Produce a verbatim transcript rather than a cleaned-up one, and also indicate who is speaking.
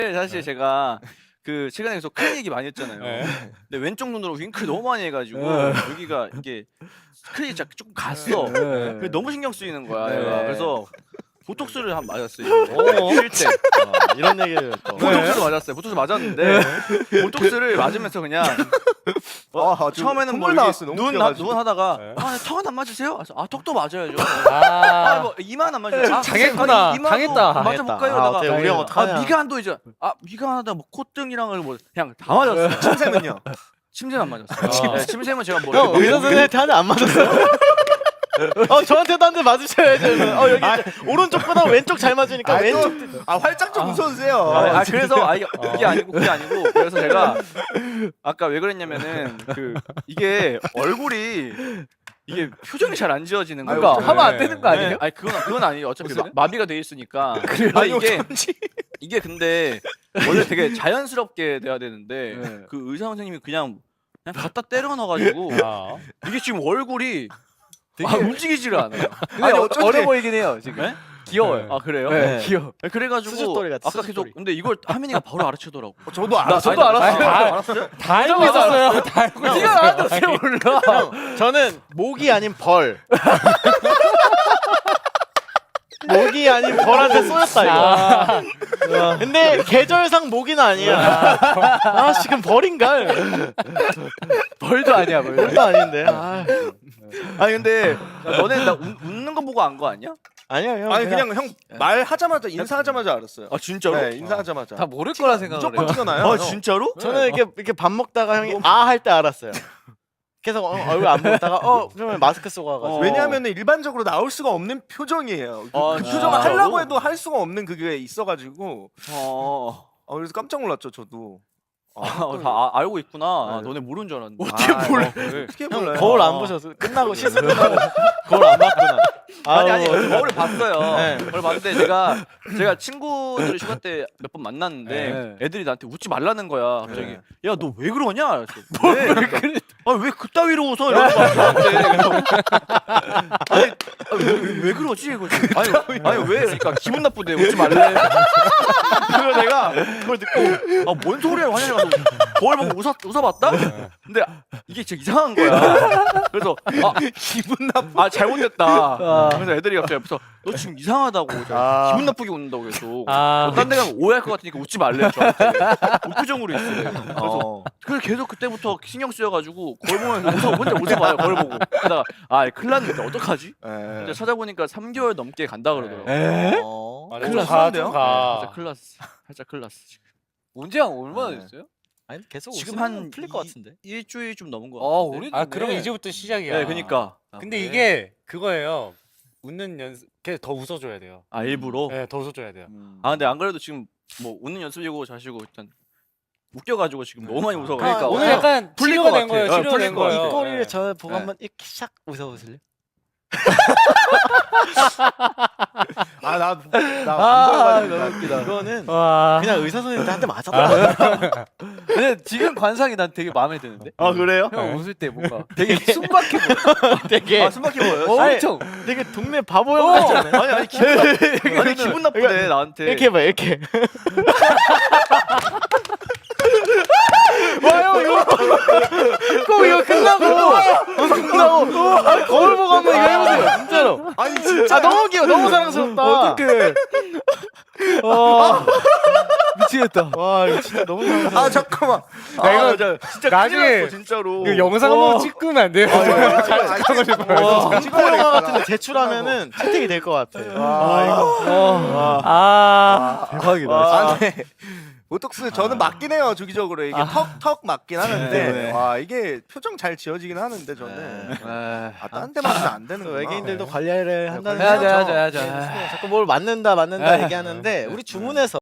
Speaker 1: 사실 제가 그 최근에 계속 큰 얘기 많이 했잖아요.
Speaker 2: 네.
Speaker 1: 근데 왼쪽 눈으로 윙크를 너무 많이 해가지고
Speaker 3: 네.
Speaker 1: 여기가 이게 스크린이 조금 갔어.
Speaker 3: 네.
Speaker 1: 그게 너무 신경 쓰이는 거야.
Speaker 3: 네.
Speaker 1: 내가. 그래서 보톡스를 한 맞았어요. 쉴 때.
Speaker 4: 어, 이런 얘기를 또.
Speaker 1: 보톡스도 맞았어요. 보톡스 맞았는데 보톡스를 맞으면서 그냥 어,
Speaker 5: 아,
Speaker 1: 처음에는 뭐
Speaker 5: 나왔어. 너무
Speaker 1: 눈, 나,
Speaker 5: 웃겨가지고.
Speaker 1: 눈 하다가
Speaker 2: 네.
Speaker 1: 아, 턱은 안 맞으세요? 그래서 아, 턱도 맞아야죠.
Speaker 2: 아,
Speaker 1: 아, 뭐 이만 안 맞으세요? 아,
Speaker 2: 당했구나.
Speaker 1: 아, 이마도
Speaker 2: 당했다.
Speaker 1: 맞아볼까요?
Speaker 4: 아,
Speaker 1: 이러다가
Speaker 4: 어때? 우리 형
Speaker 1: 아,
Speaker 4: 어떡하냐.
Speaker 1: 미간도 이제 아, 미간하다 뭐 콧등이랑 뭐 그냥 다 맞았어요.
Speaker 5: 침샘은요?
Speaker 1: 침샘 안 맞았어요.
Speaker 2: 아.
Speaker 1: 네, 침샘은 제가 뭐
Speaker 4: 형
Speaker 1: 이렇게
Speaker 4: 의사 선생님한테 한 대 안 맞았어요? 어 저한테도 한 대 맞으셔야죠. 어 여기 오른쪽보다 왼쪽 잘 맞으니까
Speaker 5: 아이, 또-
Speaker 4: 왼쪽.
Speaker 5: 아 활짝 좀 웃어주세요.
Speaker 1: 아, 아 그래서 아 이게, 이게 아니고 그게 아니고 그래서 제가 아까 왜 그랬냐면은 그 이게 얼굴이 이게 표정이 잘 안 지어지는 거예요.
Speaker 3: 그러니까
Speaker 2: 네.
Speaker 3: 하면 안 되는 거 아니에요?
Speaker 1: 네, 아니 그건 그건 아니에요. 어차피 마,
Speaker 3: 무슨?
Speaker 1: 마비가 돼 있으니까. 아 이게 이게 근데 원래 되게 자연스럽게 돼야 되는데
Speaker 3: 네.
Speaker 1: 그 의사 선생님이 그냥 그냥 갖다 때려 넣어가지고
Speaker 2: 아.
Speaker 1: 이게 지금 얼굴이 아, 움직이지를 않아요.
Speaker 3: 근데
Speaker 5: 아니,
Speaker 3: 어,
Speaker 5: 어쩐지-
Speaker 3: 어려 보이긴 해요 지금.
Speaker 1: 네?
Speaker 3: 귀여워요.
Speaker 1: 아 그래요?
Speaker 3: 네,
Speaker 4: 네.
Speaker 3: 귀여워.
Speaker 1: 네, 그래가지고
Speaker 4: 수줍돌이 같아,
Speaker 1: 아까 계속
Speaker 4: 수줍돌이.
Speaker 1: 근데 이걸 하민이가 바로 알아채더라고.
Speaker 5: 어, 저도 알았어요.
Speaker 3: 저도 알았어요.
Speaker 1: 아니,
Speaker 2: 아,
Speaker 1: 알았어요?
Speaker 2: 다 알고 있었어요. 다 알고 있었어요.
Speaker 3: 네가 나한테 어떻게 몰라?
Speaker 4: 형 저는 목이 아닌 벌. 목이 아닌 벌한테 쏘였다 이거.
Speaker 2: 아,
Speaker 4: 근데 계절상 모기는 아니야. 아 지금 벌인가?
Speaker 3: 벌도 아니야 벌.
Speaker 4: 벌도 아닌데. 아,
Speaker 1: 아니 근데 야, 너네 나 웃, 웃는 거 보고 안 거 아니야?
Speaker 4: 아니야 형.
Speaker 5: 아니 그냥 형 말하자마자 인사하자마자 알았어요.
Speaker 1: 아 진짜로?
Speaker 5: 네 인사하자마자.
Speaker 3: 다 모를 거라 생각을
Speaker 5: 무조건
Speaker 3: 해요.
Speaker 5: 튀어나요.
Speaker 1: 아 진짜로?
Speaker 4: 저는 이렇게 이렇게 밥 먹다가 형이 아 할 때 알았어요. 계속 어, 얼굴 안 보다가 어 그러면 마스크 쓰고 와가지고.
Speaker 1: 어.
Speaker 5: 왜냐하면 일반적으로 나올 수가 없는 표정이에요. 그,
Speaker 1: 아,
Speaker 5: 그
Speaker 1: 진짜로?
Speaker 5: 표정을 하려고 해도 할 수가 없는 그게 있어가지고
Speaker 1: 어.
Speaker 5: 어, 그래서 깜짝 놀랐죠 저도.
Speaker 1: 아, 다 아, 알고 있구나. 아,
Speaker 5: 네.
Speaker 1: 너네 모르는 줄 알았는데.
Speaker 5: 어떻게
Speaker 1: 아,
Speaker 5: 몰라?
Speaker 1: 어, 그래.
Speaker 5: 어떻게
Speaker 4: 형
Speaker 5: 몰라요?
Speaker 4: 거울
Speaker 1: 아.
Speaker 4: 안 보셔서 끝나고 시술 끝나고 거울 안 봤구나.
Speaker 1: 아니 아니
Speaker 4: 아우,
Speaker 1: 거울을 봤어요.
Speaker 4: 네.
Speaker 1: 거울 봤는데 제가 제가 친구들 휴가 때 몇 번 만났는데
Speaker 3: 네.
Speaker 1: 애들이 나한테 웃지 말라는 거야. 갑자기
Speaker 5: 네.
Speaker 1: 야 너 왜 그러냐? 그래서 왜? 그래? 아왜 그따위로 웃어? 이러는 거야. 저한테. 아니 아니, 왜, 왜, 왜 그러지? 이거지. 아니 아니 왜? 그러니까 기분 나쁘대 웃지 말래. 그래서 내가 그걸 듣고 아 뭔 소리야 하냐 가서 거울 보고 웃어 웃어봤다. 근데 이게 진짜 이상한 거야. 그래서 아
Speaker 5: 기분 나빠.
Speaker 1: 아 잘못됐다. 그래서 애들이 갑자기 옆에서 너 지금 이상하다고
Speaker 5: 아.
Speaker 1: 기분 나쁘게 웃는다고 계속.
Speaker 2: 아,
Speaker 1: 딴 데 가면 오해할 것 같으니까 웃지 말래 저한테. 무표정으로 있어. 그래서
Speaker 5: 어.
Speaker 1: 그래서 계속 그때부터 신경 쓰여가지고 거울 보면 웃어 혼자 웃어봐요 거울 보고. 그러다가 아 큰일 났는데 어떡하지?
Speaker 5: 예.
Speaker 1: 근데 찾아보니까 삼 개월 넘게 간다 그러더라고.
Speaker 3: 에?
Speaker 5: 어.
Speaker 2: 아,
Speaker 5: 큰일
Speaker 2: 좀 가,
Speaker 5: 났는데요?
Speaker 2: 좀 가.
Speaker 1: 살짝 큰일 났어. 살짝 큰일 났어. 지금.
Speaker 3: 언제 한 얼마나
Speaker 5: 네.
Speaker 3: 됐어요?
Speaker 4: 아니 계속
Speaker 1: 지금
Speaker 4: 웃으면
Speaker 1: 한
Speaker 4: 풀릴 것
Speaker 1: 이-
Speaker 4: 같은데.
Speaker 1: 일주일 좀 넘은 거
Speaker 3: 아
Speaker 1: 같은데.
Speaker 3: 오래.
Speaker 2: 아, 그럼 이제부터 시작이야.
Speaker 1: 네, 그니까.
Speaker 2: 근데
Speaker 3: 그래?
Speaker 2: 이게 그거예요. 웃는 연습, 계속 더 웃어줘야 돼요.
Speaker 1: 아 일부러.
Speaker 2: 네, 더 웃어줘야 돼요.
Speaker 1: 아 근데 안 그래도 지금 뭐 웃는 연습이고 자시고 일단 웃겨가지고 지금 너무 많이 웃어.
Speaker 4: 그러니까
Speaker 2: 오늘
Speaker 4: 어,
Speaker 2: 약간
Speaker 1: 풀릴
Speaker 2: 치료가
Speaker 1: 것
Speaker 2: 된 거예요.
Speaker 1: 같아. 어,
Speaker 2: 치료가
Speaker 1: 풀릴
Speaker 2: 된
Speaker 1: 것
Speaker 2: 거예요.
Speaker 1: 같아.
Speaker 4: 이 꼬리를
Speaker 2: 네.
Speaker 4: 저 보고
Speaker 1: 네.
Speaker 4: 한번 이렇게 샥 웃어보실래요?
Speaker 5: 아나나안
Speaker 3: 아
Speaker 5: 보여가지고.
Speaker 3: 너무 웃기다.
Speaker 4: 이거는
Speaker 2: 와.
Speaker 4: 그냥 의사 선생님한테 한 대 맞았다.
Speaker 3: 근데 지금 관상이 난 되게 마음에 드는데.
Speaker 1: 아 그래요?
Speaker 3: 형 웃을 때 뭔가 되게 숨막혀 보여.
Speaker 4: 되게
Speaker 1: 아 숨막히 보여요?
Speaker 4: 아니,
Speaker 3: 엄청.
Speaker 4: 되게 동네 바보 형 같지 않아요?
Speaker 1: 아니 아니 기분 나, 아니 기분 나쁘네 나한테.
Speaker 4: 이렇게 해봐 이렇게.
Speaker 2: 와요, 이거. 꼭 이거 끝나고.
Speaker 4: 끝나고 아니, 거울 보고 한번 이거 해보세요 진짜로.
Speaker 5: 아니 진짜.
Speaker 4: 아 너무 귀여워 너무 사랑스럽다.
Speaker 3: 어떡해.
Speaker 4: 와,
Speaker 3: 미치겠다.
Speaker 4: 와 이거 진짜 너무 사랑스럽다.
Speaker 5: 아 잠깐만.
Speaker 2: 나 이거
Speaker 1: 진짜 진짜
Speaker 2: 나중에
Speaker 1: 큰일 났어 진짜로.
Speaker 2: 이거 영상 한번 찍으면 안 돼요?
Speaker 5: 잘 찍고 싶어요.
Speaker 4: 와, 공포 영화 같은데 제출하면은 채택이 될 것 같아.
Speaker 5: 아 이거.
Speaker 2: 아,
Speaker 3: 대박이다.
Speaker 5: 아, 네. 보톡스 저는 맞긴 해요 주기적으로 이게 턱턱 맞긴 하는데
Speaker 1: 네.
Speaker 5: 와 이게 표정 잘 지어지긴 하는데 저는
Speaker 3: 에.
Speaker 5: 아딴 데 맞으면 안 되는
Speaker 4: 그래서
Speaker 5: 거예요.
Speaker 4: 외계인들도 관리를 한다는
Speaker 3: 해야죠,
Speaker 4: 거죠.
Speaker 3: 해야죠, 해야죠.
Speaker 4: 네, 자꾸 뭘 맞는다 맞는다
Speaker 3: 에.
Speaker 4: 얘기하는데 우리 주문에서